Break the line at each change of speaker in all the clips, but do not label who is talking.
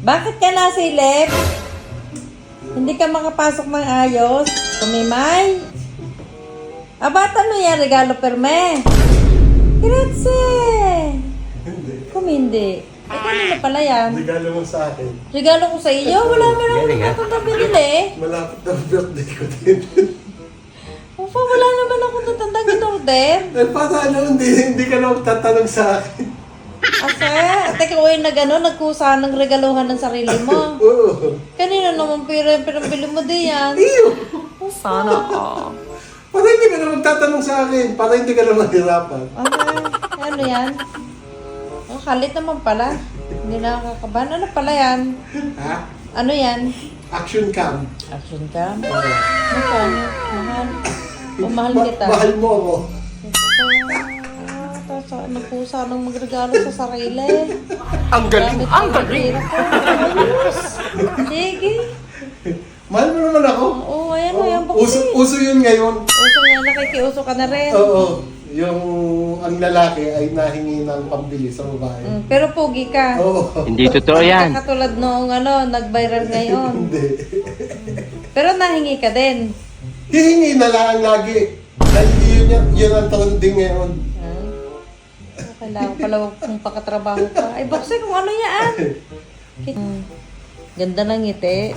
Bakit ka nasilip? Hindi ka makapasok ng ayos? Kumimay? Bata mo yan, regalo perme. Grazie!
Hindi.
Kung hindi. Kanina pala yan.
Regalo mo sa akin.
Regalo ko sa iyo? Wala mo naman akong nabili.
Malapit na birthday ko din.
Opa, wala naman akong natandang in-order.
Eh, paano hindi ka na magtatanong sa akin?
Ate ko ay nagkusa ng regaluhan ng sarili mo.
Oo.
Kanina naman pira yung pinabili mo di yan.
Iyo!
Sana ka.
Para hindi ka na magtatanong sa akin. Para hindi ka na mahirapan.
Ano yan? Ang kalit naman pala. Hindi na nakakabahan. Ano pala yan?
Ha?
Ano yan?
Action cam.
Action cam?
Oo.
Magkano? Mahal. Mahal kita.
Mahal mo ako.
Tapos nagkusa ng magregalo sa sarili.
Ang galing! Ang galing!
Sige.
Mahal mo naman ako.
Oo, ayan o, yung boxing.
Uso yun ngayon.
Uso nga, nakikiuso ka na rin.
Oo. Yung ang lalaki ay nahingi ng pambili sa babae.
Pero pogi ka.
Oo.
Hindi totoo yan.
Katulad noong nag-viral ngayon.
Hindi.
Pero nahingi ka din.
Hihingi na lang lagi. Dahil yun ang trending ngayon.
Kailangan pala kung pakatrabaho ka. Ay, boxing, kung ano yan? Ganda ng ngiti.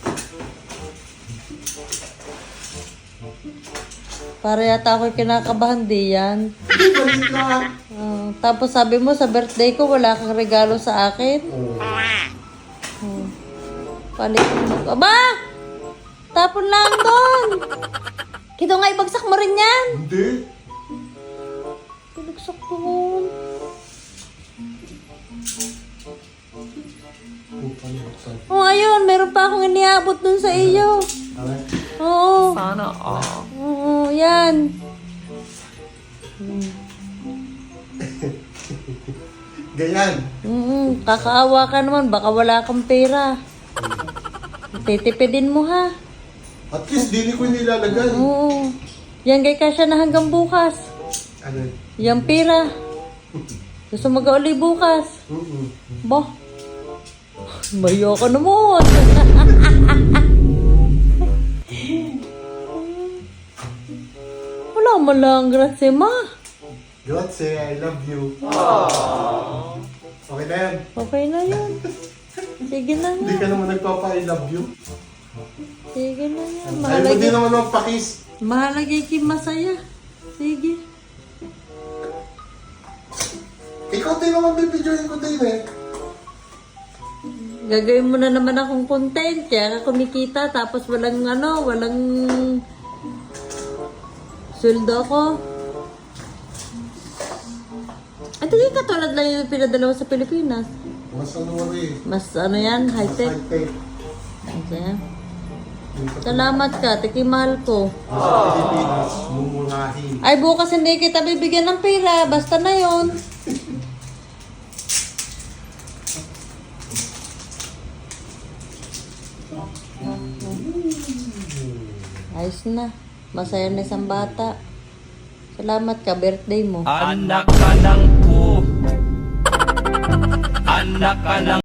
Para yata ako'y kinakabahan di yan.
Balik na.
Tapos sabi mo sa birthday ko, wala kang regalo sa akin. Palit mo. Aba! Tapon lang doon! Kito nga, ibagsak mo rin yan!
Hindi.
Pinagsak doon. Ayun, meron pa akong iniabot dun sa iyo. Oo.
Sana
Oo, yan.
Ganyan.
Kakaawa ka naman, baka wala kang pera. Titipidin mo ha.
At least dili ko nilalagay.
Oo. Yan kay Kasya na hanggang bukas.
Ano?
Yang pera. Gusto mag-uli bukas. Bah. Mayo ka naman. Wala man lang, grazie ma.
Grazie, I love you. Okay na yan.
Okay na yun. Sige na
Hindi
nga.
ka naman nagpapa-I love you.
Sige na nga.
Ayaw mo din naman magpakis.
Mahalagay kim masaya. Sige.
Ikaw din naman bibidyoin ko din eh.
Gagawin mo na naman akong content. Kaya ka kumikita. Tapos walang walang sweldo ko. At hindi katulad lang yung pinadala ko sa Pilipinas.
Mas ano rin.
Mas yan, high-tech.
High-tech.
Okay. Salamat ka, tikimahal ko.
Sa Pilipinas, mumurahin.
Ay, bukas hindi kita bibigyan ng pera. Basta na yon. Ayos na. Masaya na isang bata. Salamat ka, birthday mo.
Anak ka ng po. Anak ka ng